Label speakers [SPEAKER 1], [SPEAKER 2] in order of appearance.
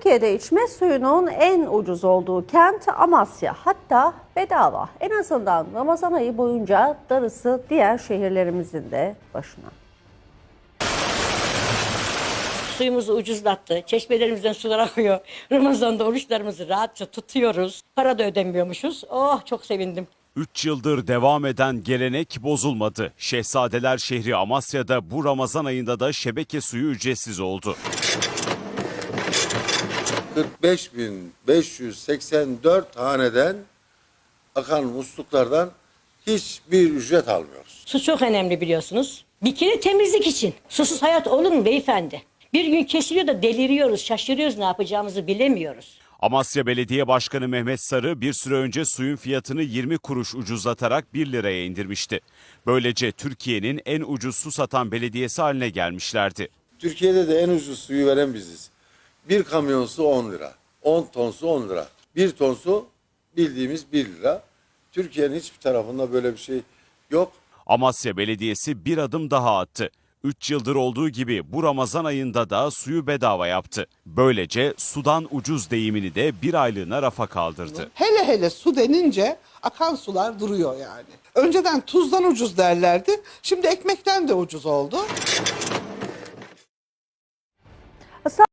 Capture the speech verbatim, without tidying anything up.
[SPEAKER 1] Türkiye'de içme suyunun en ucuz olduğu kent Amasya. Hatta bedava. En azından Ramazan ayı boyunca darısı diğer şehirlerimizin de başına.
[SPEAKER 2] Suyumuzu ucuzlattı. Çeşmelerimizden sular akıyor. Ramazan'da oruçlarımızı rahatça tutuyoruz. Para da ödemiyormuşuz. Oh, çok sevindim.
[SPEAKER 3] üç yıldır devam eden gelenek bozulmadı. Şehzadeler şehri Amasya'da bu Ramazan ayında da şebeke suyu ücretsiz oldu.
[SPEAKER 4] kırk beş bin beş yüz seksen dört haneden akan musluklardan hiçbir ücret almıyoruz.
[SPEAKER 2] Su çok önemli, biliyorsunuz. Bir kere temizlik için. Susuz hayat olur mu beyefendi? Bir gün kesiliyor da deliriyoruz, şaşırıyoruz, ne yapacağımızı bilemiyoruz.
[SPEAKER 3] Amasya Belediye Başkanı Mehmet Sarı bir süre önce suyun fiyatını yirmi kuruş ucuzlatarak bir liraya indirmişti. Böylece Türkiye'nin en ucuz su satan belediyesi haline gelmişlerdi.
[SPEAKER 4] Türkiye'de de en ucuz suyu veren biziz. Bir kamyon su on lira, on ton su on lira, bir ton su bildiğimiz bir lira. Türkiye'nin hiçbir tarafında böyle bir şey yok.
[SPEAKER 3] Amasya Belediyesi bir adım daha attı. üç yıldır olduğu gibi bu Ramazan ayında da suyu bedava yaptı. Böylece sudan ucuz deyimini de bir aylığına rafa kaldırdı.
[SPEAKER 5] Hele hele su denince akan sular duruyor yani. Önceden tuzdan ucuz derlerdi. Şimdi ekmekten de ucuz oldu.